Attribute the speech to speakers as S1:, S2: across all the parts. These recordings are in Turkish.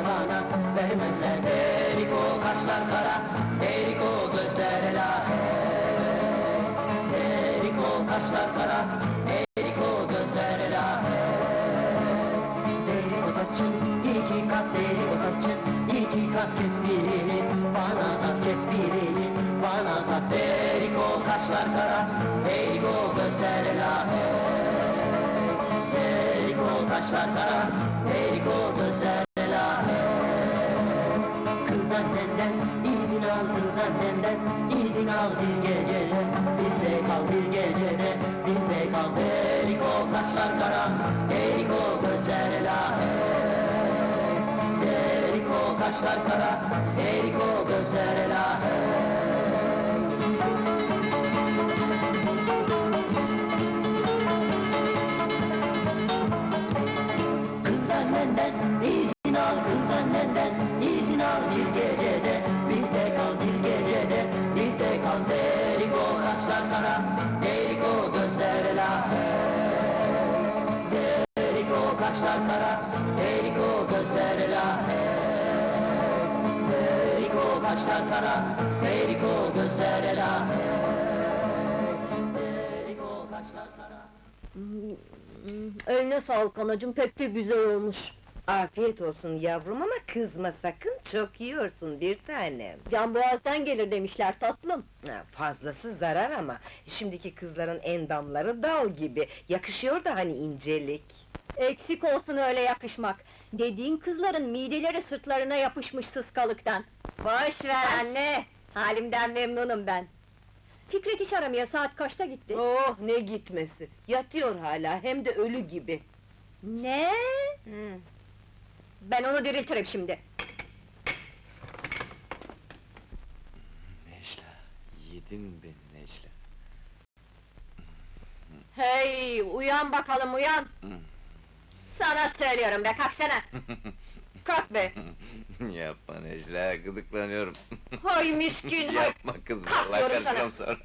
S1: bana vermezler. Erik o kaşlar kara, erik o gözler elahe. Erik o kaşlar kara, erik o gözler elahe. Erik o saçın, iki kat erik o saçın, iki kat kes birini, bana sat kes birini, bana sat. Erik o kaşlar kara, erik o gözler elahe. Erik o kaşlar kara, erik o gözler elahe. Kız annenden izin al, kız annenden izin al bir gecede, bizde kal bir gecede, bizde kal. Erik o kaşlar kara, erik o gözler elahe. Erik o kaşlar kara, erik o gözler elahe. Kız annenden izin al, kız annenden izin al bir gecede, bizde kal bir gecede, bizde kal. Erik o kaşlar kara, erik o gözler elahe. Erik o kaşlar kara, erik o gözler elahe. Erik o kaşlar kara, erik o gözler elahe. Erik o kaşlar kara.
S2: Eline sağlık anacığım, pek de güzel olmuş.
S3: Afiyet olsun yavrum ama kızma sakın, çok yiyorsun bir tanem.
S2: Can boğazdan gelir demişler tatlım.
S3: Fazlası zarar ama, şimdiki kızların endamları dal gibi, yakışıyor da hani incelik.
S2: Eksik olsun öyle yakışmak. Dediğin kızların mideleri sırtlarına yapışmış sıskalıktan. Boş ver anne, halimden memnunum ben. Fikret iş aramaya saat kaçta gitti?
S3: Oh ne gitmesi, yatıyor hala, hem de ölü gibi.
S2: Ne? Ben onu diriltirim şimdi.
S4: Necla, yedin beni Necla.
S2: Hey, uyan bakalım uyan! Sana söylüyorum be, kalksana! Kalk be!
S4: Yapma Necla, gıdıklanıyorum.
S2: Hay miskin, hay!
S4: Yapma kız,
S2: Kalk
S4: vallahi
S2: diyorum
S4: kaçacağım sonra.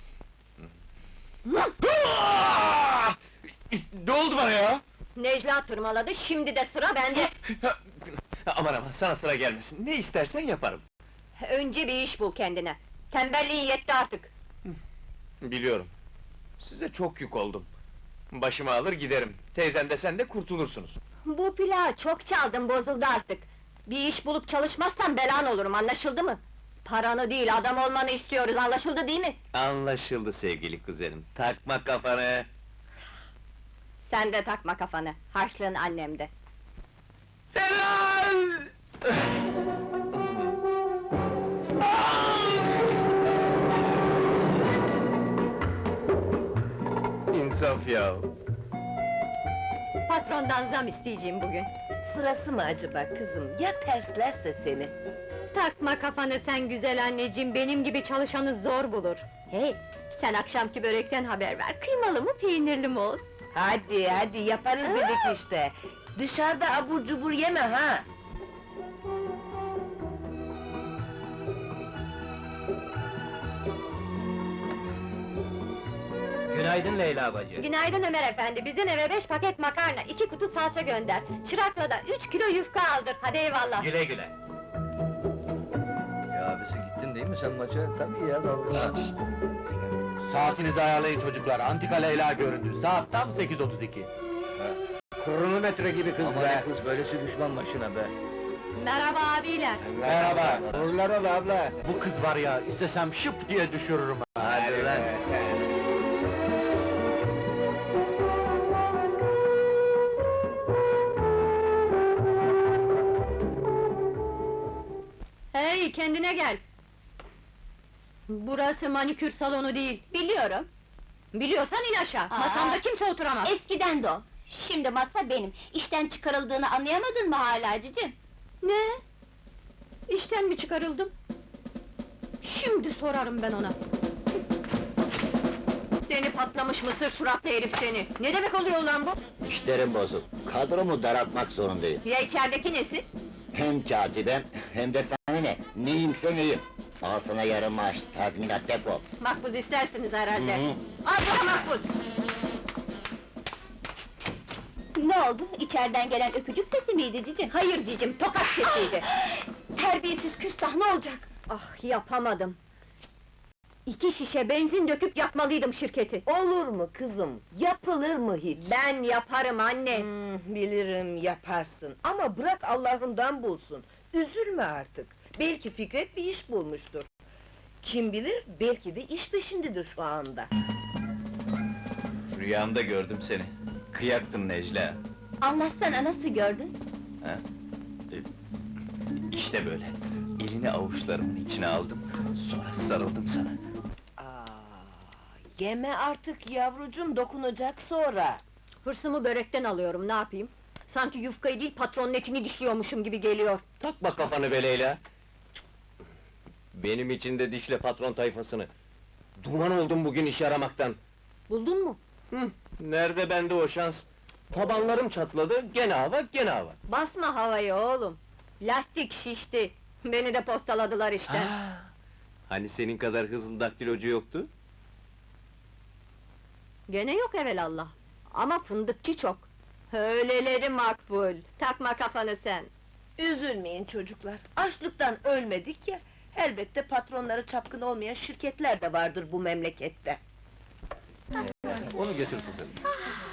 S5: Ne oldu bana ya?
S2: Necla tırmaladı, şimdi de sıra bende!
S5: Aman aman, sana sıra gelmesin, ne istersen yaparım.
S2: Önce bir iş bul kendine! Tembelliğin yetti artık!
S5: Biliyorum. Size çok yük oldum. Başımı alır giderim, teyzen de sen de kurtulursunuz.
S2: Bu plağı çok çaldın, bozuldu artık! Bir iş bulup çalışmazsan belan olurum, anlaşıldı mı? Paranı değil, adam olmanı istiyoruz, anlaşıldı değil mi?
S5: Anlaşıldı sevgili kuzenim, takma kafanı!
S2: Sen de takma kafanı, harçlığın annemde.
S5: Helal! İnsaf ya!
S2: Patrondan zam isteyeceğim bugün.
S3: Sırası mı acaba kızım, ya terslerse seni?
S2: Takma kafanı sen güzel anneciğim, benim gibi çalışanı zor bulur. Hey, sen akşamki börekten haber ver, kıymalı mı, peynirli mi olsun?
S3: Hadi hadi, yaparız dedik işte! Dışarıda abur cubur yeme ha!
S1: Günaydın Leyla bacı.
S2: Günaydın Ömer efendi, bizim eve 5 paket makarna, 2 kutu salça gönder. Çırakla da 3 kilo yufka aldır, hadi eyvallah!
S1: Güle güle.
S4: Ya abisi gittin değil mi sen maça? Tabii ya, dalga.
S5: Saatinizi ayarlayın çocuklar, antika Leyla göründü, saat tam 8:32.
S4: Kronometre gibi kız
S5: Aman
S4: be! Kız böylesi düşman başına be!
S2: Merhaba abiler!
S5: Merhaba!
S4: Uğurlar ol abla!
S5: Bu kız var ya, istesem şıp diye düşürürüm ha!
S4: Hadi lan!
S2: Hey, kendine gel! Burası manikür salonu değil, biliyorum. Biliyorsan in aşağı, masamda kimse oturamaz!
S6: Eskiden de o. Şimdi masa benim. İşten çıkarıldığını anlayamadın mı hala cicim?
S2: Ne? İşten mi çıkarıldım? Şimdi sorarım ben ona! Seni patlamış mısır suratlı herif seni! Ne demek oluyor lan bu?
S7: İşlerim bozuk. Kadromu daraltmak zorundayım.
S2: Ya içerideki nesi?
S7: Hem katibem hem de sana ne? Neyimse neyim. Al sana yarım maaş, tazminat defol.
S2: Makbuz istersiniz herhalde!
S7: Hı hı.
S2: Al sana makbuz!
S6: Ne oldu? İçeriden gelen öpücük sesi miydi cicim?
S2: Hayır cicim, tokat sesiydi.
S6: Terbiyesiz küstah, ne olacak?
S2: Ah, yapamadım. 2 şişe benzin döküp yakmalıydım şirketi.
S3: Olur mu kızım? Yapılır mı hiç?
S2: Ben yaparım anne.
S3: Bilirim yaparsın ama bırak Allah'ından bulsun. Üzülme artık. Belki Fikret bir iş bulmuştur. Kim bilir, belki de iş peşindedir şu anda.
S5: Rüyamda gördüm seni. Kıyaktın Necla.
S6: Anlatsana, nasıl gördün?
S5: Ha? İşte böyle. Elini avuçlarımın içine aldım. Sonra sarıldım sana.
S3: Yeme artık yavrucum, dokunacak sonra.
S2: Hırsımı börekten alıyorum, ne yapayım? Sanki yufkayı değil, patronun etini dişliyormuşum gibi geliyor.
S4: Takma kafanı be Leyla! Benim için de dişle patron tayfasını. Duman oldum bugün iş aramaktan.
S2: Buldun mu?
S4: Nerede bende o şans? Tabanlarım çatladı, gene hava, gene hava.
S2: Basma havayı oğlum. Lastik şişti. Beni de postaladılar işte.
S4: Hani senin kadar hızlı daktilocu yoktu?
S2: Gene yok evelallah. Ama fındıkçı çok. Öyleleri makbul. Takma kafanı sen.
S3: Üzülmeyin çocuklar, açlıktan ölmedik ya. Elbette patronları çapkın olmayan şirketler de vardır bu memlekette.
S4: Onu götür kızım.